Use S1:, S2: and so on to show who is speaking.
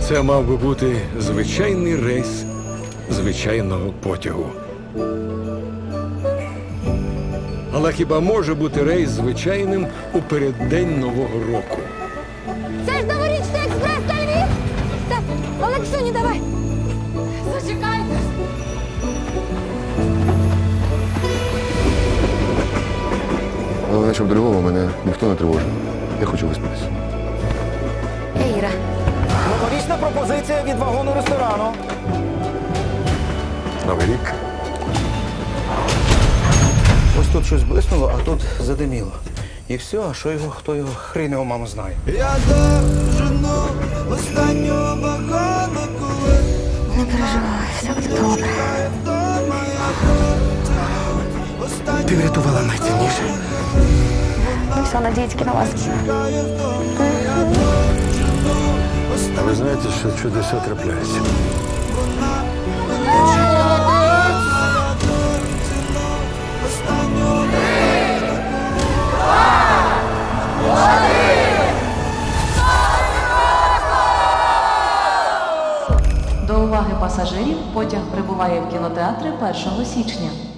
S1: Це мав би бути звичайний рейс звичайного потягу. Але хіба може бути рейс звичайним у переддень Нового року?
S2: Це ж новорічний експрес на Львів! Так, Олексюні, давай! Зачекайте!
S3: Головне, щоб до Львова мене ніхто не тривожив. Я хочу виспатися.
S2: Іра.
S4: Новорічна пропозиція від вагону ресторану.
S1: Новий рік.
S4: Ось тут щось блиснуло, а тут задиміло. І все, а що його, хто його, хрін його мама знає.
S5: Я дожену останнього вагона, коли
S2: Не переживай, все буде добре.
S5: вдома я
S4: Ти врятувала найцінніше.
S2: Ми все надіємося на вас.
S5: чекаю вдома.
S1: А ви знаєте, що чудеса трапляються?
S6: До уваги пасажирів, потяг прибуває в кінотеатри 1 січня.